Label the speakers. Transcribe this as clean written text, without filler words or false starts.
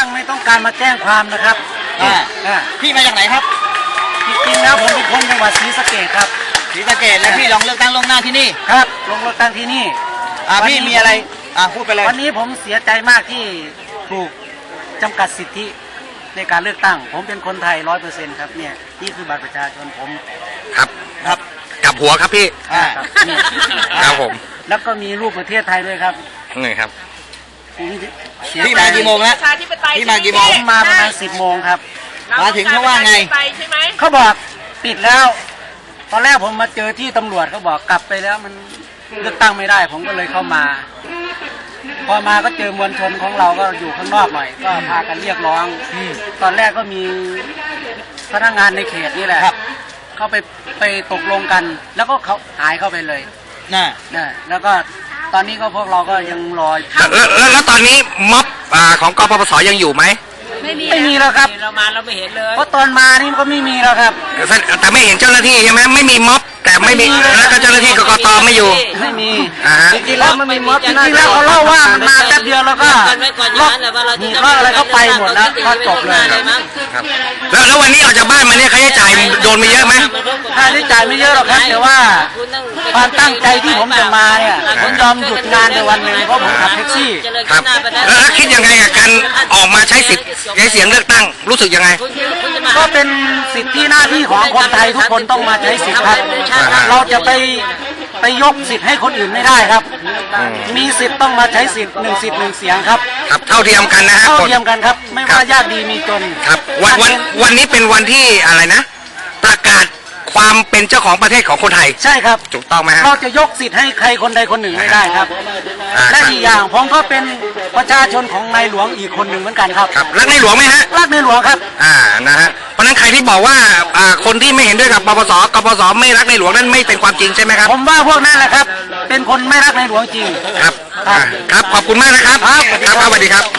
Speaker 1: ตั้งไม่ต้องการมาแจ้งความนะครับ
Speaker 2: พี่มาจากไหนครับ
Speaker 1: จริงๆแล้วผมเป็นคนจังหวัดศรีสะเกษครับ
Speaker 2: ศรีสะเกษแล้วพี่ลองเลือกตั้งล่วงหน้าที่นี่
Speaker 1: ครับลงเลือกตั้งที่นี่
Speaker 2: พี่มีอะไรพูดไปเลย
Speaker 1: วันนี้ผมเสียใจมากที่ถูกจำกัดสิทธิในการเลือกตั้งผมเป็นคนไทย 100% ครับเนี่ยนี่คือบัตรประชาชนผม
Speaker 3: ครับกลับหัวครับพี่ครับผม
Speaker 1: แล้วก็มีรูปประเทศไทยด้วยครับ
Speaker 3: นี่ครับ
Speaker 2: พี่มากี่โมงแล้วพี่มากี่โมง
Speaker 1: ผมมาประมาณ10 โมงครับ
Speaker 2: มาถึงเขาว่าไง
Speaker 1: เขาบอกปิดแล้วตอนแรกผมมาเจอที่ตำรวจเขาบอกกลับไปแล้วมันเลือกตั้งไม่ได้ผมก็เลยเข้ามาพอมาก็เจอมวลชนของเราก็อยู่ข้างนอกหน่อยก็พากันเรียกร้องตอนแรกก็มีพนักงานในเขตนี่แหละเขาไปตกลงกันแล้วก็เขาหายเข้าไปเลย
Speaker 2: น่ะ
Speaker 1: แล้วก็ตอนนี้ก็พวกเราก็ยังรอ
Speaker 3: แล้วตอนนี้ม็อบของกปปสยังอยู่ไหม
Speaker 1: ไม่มีแล้วครับ
Speaker 4: เรามาเราไม่เห็นเลย
Speaker 1: เพราะตอนมานี่ก็ไม่มีแล้วครับ
Speaker 3: แต่ไม่เห็นเจ้าหน้าที่ใช่ไหมไม่มีม็อบแต่ไม่มีแล้วก็เจ้าหน้าที่กกตไม่อยู่
Speaker 1: ไม่มีจริงๆแล้วมันมีม็อบจริงๆแล้วเขาเล่าว่ามันมาแป๊บเดียวแล้วก็ล็อกอะไรก็ไปหมดแล้วก็จบเลย
Speaker 3: ครับแล้ววันนี้ออกจากบ้านมาเนี่ยค่าใช้จ่ายโดนไปเยอะไหม
Speaker 1: ค่าใช้จ่ายไม่เยอะหรอกครับแต่ว่าความตั้งใจที่ผมจะมาเนี่ยผมยอมหยุดงานในวันหนึ่งเพราะผมขับแท็กซี่
Speaker 3: ครับแล้วคิดยังไงกับการออกมาใช้สิทธิ์ใช้เสียงเลือกตั้งรู้สึกยังไง
Speaker 1: ก็เป็นสิทธิหน้าที่ของคนไทยทุกคนต้องมาใช้สิทธิ์ครับเราจะไปยกสิทธิ์ให้คนอื่นไม่ได้ครับมีสิทธิ์ต้องมาใช้สิทธิ์1 สิทธิ์ 1 เสียงครับ
Speaker 3: ครับเท่าเทียมกันนะฮะ
Speaker 1: เท่าเทียมกันครับไม่ว่ายากดีมีจน
Speaker 3: ครับวันนี้เป็นวันที่อะไรนะประกาศความเป็นเจ้าของประเทศของคนไทย
Speaker 1: ใช่ครับ
Speaker 3: ถูกต้องไหมฮะ
Speaker 1: เราจะยกสิทธิ์ให้ใครคนใดคนหนึ่งไม่ได้ครับและอีกอย่างผมก็เป็นประชาชนของในหลวงอีกคนหนึ่งเหมือนกันครับ
Speaker 3: รักในหลวงไหมฮะ
Speaker 1: รักในหลวงครับ
Speaker 3: นะฮะเพราะนั้นใครที่บอกว่าคนที่ไม่เห็นด้วยกับปปสกปสไม่รักในหลวงนั้นไม่เป็นความจริงใช่ไหมครับ
Speaker 1: ผมว่าพวกนั้นแหละครับเป็นคนไม่รักในหลวงจริง
Speaker 3: ครับขอบคุณมากนะครับครับสวัสดีครับ